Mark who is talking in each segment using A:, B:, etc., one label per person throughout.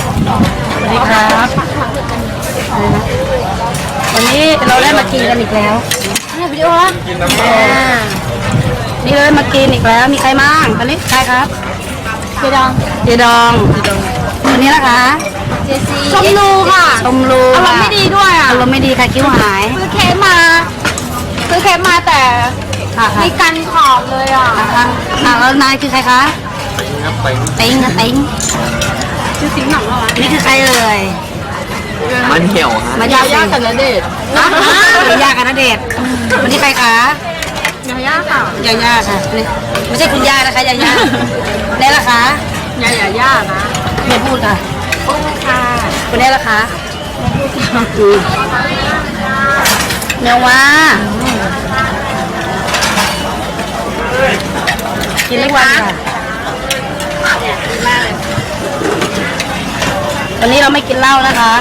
A: สวัสดีครับวันนี้เราได้มากินกันอีกแล้วนี่วิดีโอละนี่เราได้มากินอีกแล้วมีใครบ้างตอนนี้ใครครับเจดองวันนี้นะคะ
B: ชมรูค่ะ
A: ชมรู
B: อารมณ์ไม่ดีด้วยอ่ะ
A: อารมณ์ไม่ดีค่ะคิ้วหาย
B: ซื้อเค้กมาแต่มีกันขอบเลยอ่ะ
A: แล้วนายคือใครคะติ๊ง
B: ชื่อสิงห์หนังเหรอ
A: นี่คือใครเอ่ย
C: มันเหี่ยว
A: มายา
B: กับณเดชน์
A: นะยากับณเดชน์วันนี้ใครคะ
B: ยาย่าค่ะ
A: ยาค่ะนี่ไม่ใช่คุณย่านะคะยาได้ละคะ
B: ยานะ
A: ไม่พูดค่ะ
B: ค่ะ
A: คุณได้ละคะเนื้อว่ากินเล็กวันค่ะวันนี้เราไม่กินเหล้านะคะ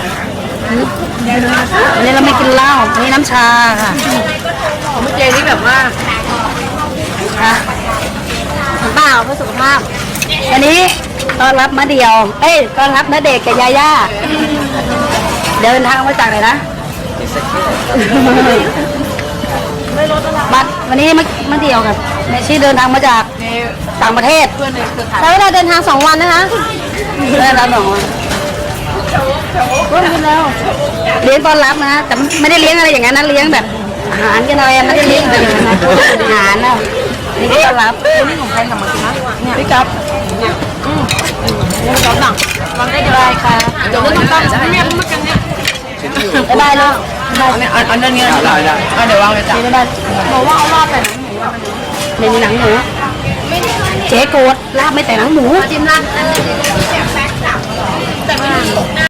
A: วันนี้เราไม่กินเหล้าวันนี้น้ำชาค่ะ
B: ของพี่เจนี่แบบว่า
A: ค่ะ
B: เปล่าเพื่อสุขภาพ
A: วันนี้ต้อนรับมะเดี่ยวต้อนรับณเดชน์กับยาย่าเดินทางมาจากไหนนะบัตรวันนี้มะเดี่ยวกับในชื่อเดินทางมาจากต่างประเทศ
B: ใช้เวลาเดินทาง2 วันนะคะ
A: ได้รับ2 วันก็กินแล้วเลี้ยงต้อนรับนะแต่ไม่ได้เลี้ยงอะไรอย่างนั้นนะเลี้ยงแบบอาหารกันอะไรไม่ได้เลี้ยงแบบอาหารนะนี่ต้อนรับ
B: นี่ของใครทำมากินนะเนี่ย
A: พี่กับ
B: นี่ก๊อฟหนังวางได้
A: ค่ะ
B: เดี๋ยวต้องตั้งเนี่ยมากันเนี่ย
A: ได้แล้ว
C: อันนั้นเงี้ยได้เดี๋ยววางเลยจ้ะ
A: ได้
B: บอกว่าเอารอบไป
A: ในหนังหมูเจ๊โกดลาบไม่แต่หนังหมู
B: จิ้มราด